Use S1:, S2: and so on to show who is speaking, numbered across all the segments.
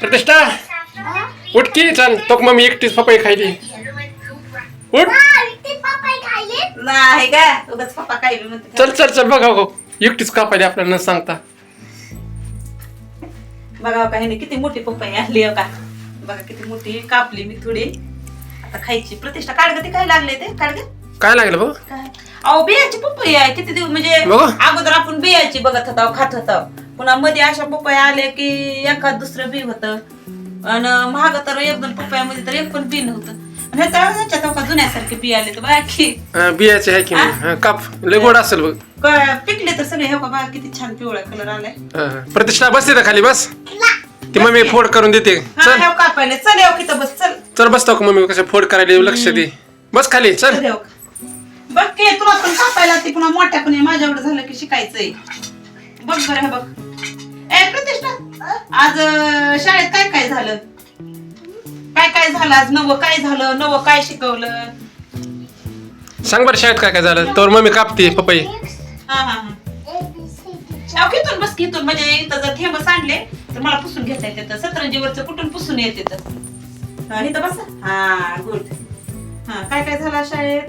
S1: प्रतिष्ठा उठ की चल तो मम्मी एकटीच पपई खायली उठ
S2: नाही का उगाच पप्पा काय बी म्हणते.
S1: चल चल चल बघा हो एकटीच कापायली आपल्याला न सांगता
S2: बघा का ह्याने किती मोठी पपई आणली हो का. बघा किती मोठी कापली मी थोडी आता खायची. प्रतिष्ठा काढ ग ते काय लागले ते काढ ग.
S1: काय लागलं बघ
S2: काय अहो बियाची पपई आहे किती दिवस म्हणजे
S1: बघा.
S2: अगोदर आपण बियाची बघत होतो खात होतो पुन्हा मध्ये अशा पपया आल्या की एखाद दुसरं बी होतं आणि महाग तर एक दोन पपयामध्ये तर एक पण बी नव्हतं. ह्याच्या जुन्यासारखे बी आले तर बघा की
S1: बियाचे आहे की नाही काप लय गोड असेल बघ
S2: पिकले तर सगळे हे बघा किती छान पिवळा कलर आलाय.
S1: प्रतिष्ठा बस तिथं खाली बस ती मम्मी फोड करून देते चल
S2: कापायला चल येऊ की बस चल
S1: चल बसतो का मम्मी कसं फोड करायला लक्ष दे बस खाली चल
S2: चल येऊ. बघ की तुला पण कापायला ती पुन्हा मोठ्यापणे माझ्यावर झालं की शिकायचंय. बघ बरं हे बघ. ए प्रतिष्ठा आज शाळेत काय काय झालं काय काय झालं आज नवं काय झालं नवं काय शिकवलं
S1: सांग बरं शाळेत काय काय झालं तर मम्मी कापते पपई.
S2: हा हा हा घेतून बस घेतून म्हणजे इथं जर थेंब सांडले तर मला पुसून घेता येते सतरंजीवरचं कुठून पुसून येते तर इथं बस. हा गुड. हा काय काय झालं शाळेत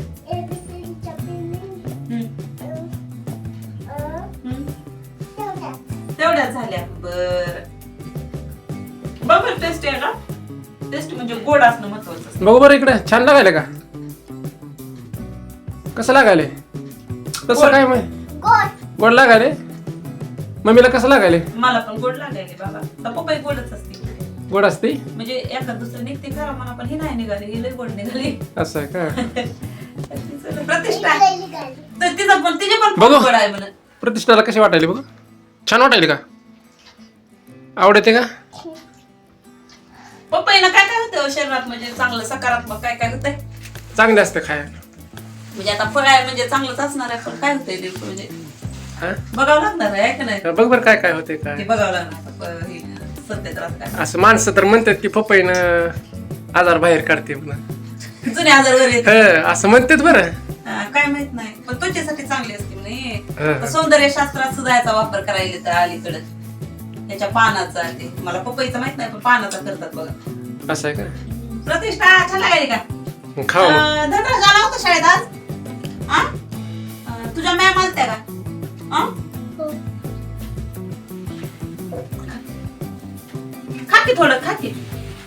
S2: तेवढ्या झाल्या. बर बघ टेस्ट आहे का टेस्ट म्हणजे गोड असणं महत्वाचं.
S1: बघू बरं इकडे छान लागायला का कसं लागायले कसं काय गोड लागायले मम्मीला कसं लागायले.
S2: मला पण गोड लागायले बाबा तर पपई गोडच असते
S1: गोड असते
S2: म्हणजे एखाद दुसरं निघते खरा म्हणा पण ही नाही निघाली ही लय गोड निघाली.
S1: असं आहे का
S2: प्रतिष्ठा तर तिचं पण तिचे पण
S1: बघू.
S2: गोड आहे म्हणा.
S1: प्रतिष्ठाला कशी वाटायली बघ छान वाटायली का आवडते का
S2: पपईनं काय काय होतं शरीरात म्हणजे चांगलं सकारात्मक काय काय होतंय
S1: चांगले असते खायला
S2: म्हणजे आता फळ आहे म्हणजे चांगलंच असणार आहे पण काय होतंय ते म्हणजे
S1: हा?
S2: बघावं लागणार आहे का नाही
S1: बघ बरं काय काय होते
S2: ते
S1: काय
S2: बघावं लागणार हे सध्या तर असं काय
S1: असं माणसं तर म्हणतात की पपईनं आजार बाहेर काढते म्हणून
S2: जुने आजार वगैरे
S1: असं म्हणतात बरं
S2: काय माहित नाही पण त्वचेसाठी चांगली असते म्हणे.
S1: हा.
S2: सौंदर्य शास्त्रात सुद्धा याचा वापर करायला तर अलीकडे याच्या पानाचा ते मला पपईचा माहित नाही पण पानाचा करतात बघा.
S1: असं आहे का
S2: प्रतिष्ठा छान लागली का
S1: खाऊ
S2: धनराज आला होता शाळेत आज आ? तुझ्या मॅम आलत्या का आ? खा की थोडं खा की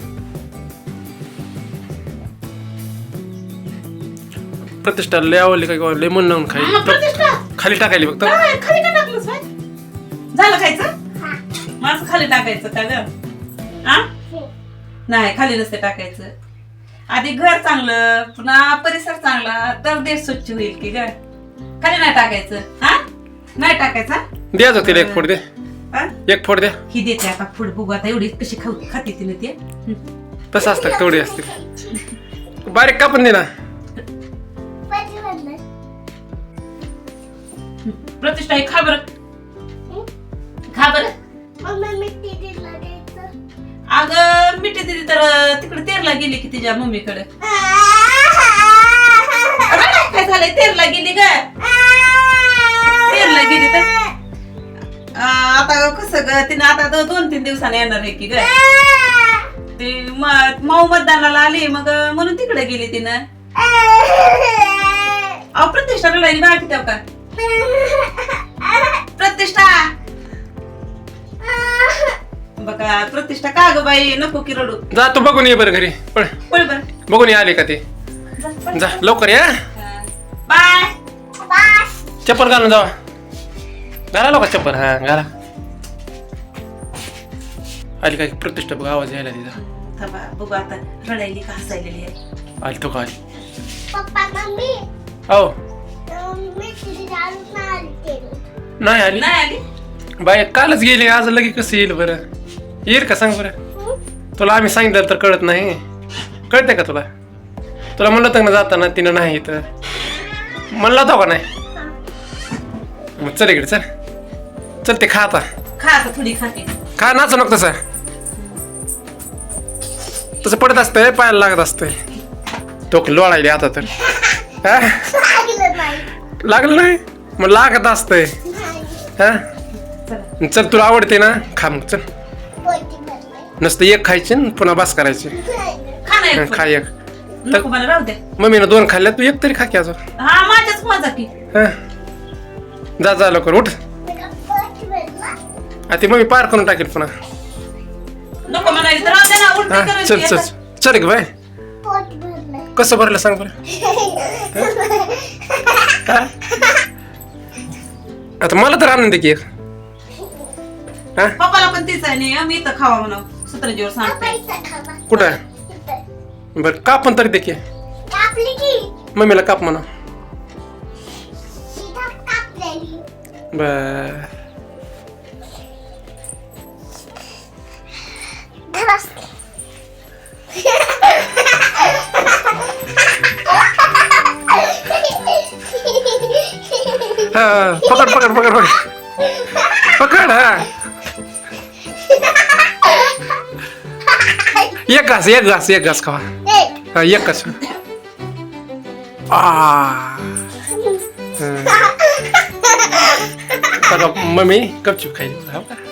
S1: प्रतिष्ठा लय आवडली का लय मन लावून
S2: प्रतिष्ठा
S1: खाली टाकायली फक्त
S2: काय खाली का टाकलंस बाय झालं खायचं माझं खाली टाकायचं का ग आ नाही खाली नसते टाकायचं. आधी घर चांगलं पुन्हा परिसर चांगला तर देश स्वच्छ होईल की ग. खाली नाही टाकायचं हा नाही टाकायचा.
S1: द्यायचं तिला एक फोड दे
S2: हा?
S1: एक फोड द्या
S2: ही देते आता पुढे बघू आता एवढी कशी खाते तिने ते
S1: तसं असतं तेवढी असते बारीक कापून दे ना
S2: प्रतिष्ठा हे खा बरं खा बरं. अगं मिठी दिली तर तिकडे तेरला गेली की तिच्या मम्मीकडे. काय झालंय तेरला गेली ग तेरला गेली तर आता कसं ग तिने आता 2-3 दिवसांनी येणार आहे की ग ती माऊ मतदानाला आली मग म्हणून तिकडे गेली तिनं. अहो प्रतिष्ठा रडायली बघा किती का प्रतिष्ठा बघा प्रतिष्ठा का ग बाई नको की रडू
S1: जा तू बघून ये बरं घरी पळ
S2: बोल बर
S1: बघून ये आले का ते जा लवकर या
S2: बाय
S1: चप्पल घालून जावा घाला लोक चप्पल हा घाला आली काय प्रतिष्ठा बघ आवाज यायला तिचा
S2: थांबा बघू आता रडायली का हसायलेली आहे.
S1: आली तो का आली
S3: पप्पा मम्मी
S1: हो
S3: मी तिथे
S1: नाही आली
S2: नाही आली
S1: बाय कालच गेली आज लगे कसं येईल बरं येईल का सांग बरं तुला आम्ही सांगितलं तर कळत नाही कळते का तुला तुला म्हणलं होतं ना जाताना तिनं नाही तर म्हणला होता का नाही मग चल इकडे चल चल ते खा आता
S2: खा आता थोडी खाते
S1: खा नाच नको तसं तसं पडत असतंय पायाला लागत असतंय तो लोळायली आता तर हा लागलं नाही मग लागत असतंय हा चल तुला आवडते ना खा मग चल नुसतं एक खायची आणि पुन्हा बास करायची.
S2: खा ना एक
S1: खा
S2: पण.
S1: एक.
S2: नको मला राहू दे.
S1: मम्मीनं 2 खाल्ल्या, तू एक तरी खा की अजून.
S2: हा माझ्याच मजा की.
S1: जा जा लवकर उठ. ती मम्मी पार करून टाकेल पुन्हा.
S2: नको म्हणाली तर राहू दे ना उलटी
S1: हा चल
S2: करायची.
S1: चल चल ग बाय.
S3: पोट भरलंय.
S1: कसं भरलं सांग बरं. हा? आता मला तर आनंद की एक. हा
S2: पप्पाला पण तीच आहे नाही मी तर खावा म्हणा सतरंजीवर सांगते.
S3: पैसा खावा.
S1: कुठं
S3: इथं.
S1: बरं कापून तरी दे की.
S3: कापली की.
S1: मम्मीला काप म्हणा.
S3: सीधा कापलेली.
S1: बर
S3: धरास.
S1: हा पकड पकड पकड पकड पकड. हा एक घास एक घास एक घास खावा.
S3: एक.
S1: हा एक घास. मम्मी गपचूप खायची.